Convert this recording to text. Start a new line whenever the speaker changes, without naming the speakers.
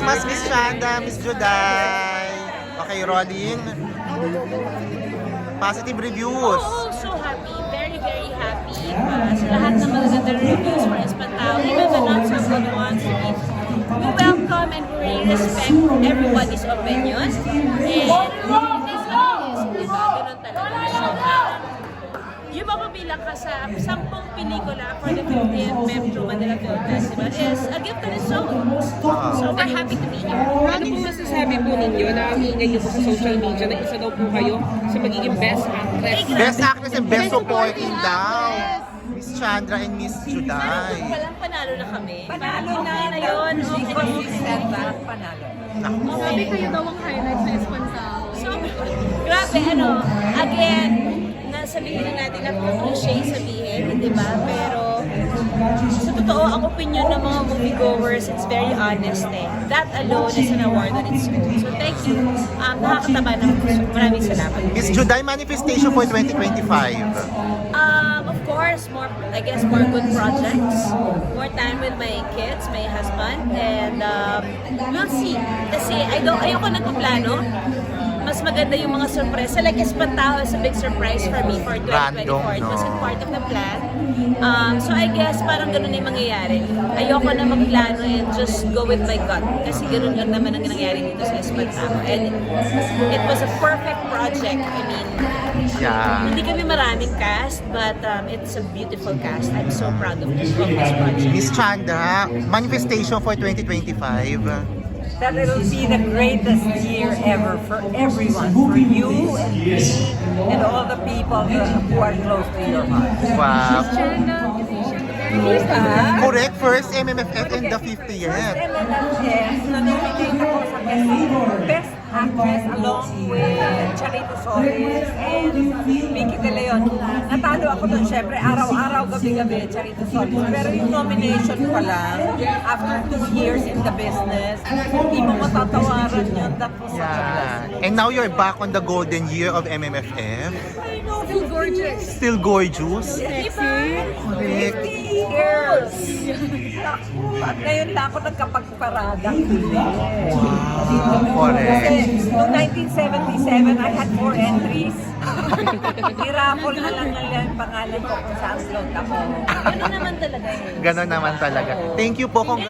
Christmas, Miss Chanda, Miss Juday. Okay, rolling. Positive reviews.
Oh, so happy. Very, very happy. Sa lahat ng magagandang reviews for Espantao, even the not so good ones, we welcome and we respect everybody's opinion. And this is, diba? Ganun talaga. So, yung mapabilang ka sa 10 pelikula for the 50th Metro Manila Film Festival is a gift on its own. So we're happy to be here.
Ano po masasabi po ninyo na ingay niyo po sa social media na isa daw po kayo sa magiging best actress?
Best actress and best supporting daw. Miss Chandra and Miss Juday.
Walang panalo na kami. Panalo na yun. Okay na.
Panalo.
Sabi kayo daw ang highlight sa Espantao.
So, grabe, again, sabihin na natin na cliche sabihin, di ba? Pero sa totoo, ang opinion ng mga moviegoers, it's very honest eh. That alone is an award on its own. So thank you. Nakakataba ng puso. Maraming salamat.
Miss Juday, manifestation for 2025.
Of course, I guess more good projects, more time with my kids, my husband, and we'll see. Kasi ayoko nagpaplano. Mas maganda yung mga surprise. Like Espantao is a big surprise for me for 2024. It wasn't part of the plan. So I guess parang ganun yung mangyayari. Ayoko na magplano and just go with my gut. Kasi ganun lang naman ang nangyayari dito sa Espantao. And it was a perfect project. I mean, hindi kami maraming cast, but it's a beautiful cast. I'm so proud of this project.
Miss Chanda, manifestation for 2025.
That it'll be the greatest year ever for everyone, for you and me and all the people who are close to your heart.
Wow.
Diba?
Correct, first MMFF and the 50th.
MMFF, na-nominate ako sa Best Actress along with Charito Solis and Vicky De Leon. Natalo ako doon, syempre, araw-araw, gabi-gabi, Charito Solis. Pero yung nomination pa lang, after 2 years in the business, hindi mo matatawaran yun. That was such a blessing.
And now you're back on the golden year of MMFF.
I know,
Still gorgeous.
Still gorgeous.
Correct.
Correct.
Years. At ngayon lang ako nagkapagparada.
Correct.
Kasi noong 1977, I had 4 entries. Nirapol na lang nila yung pangalan ko kung saan slot ako.
Ganun naman talaga yun.
Ganon naman talaga. Thank you po.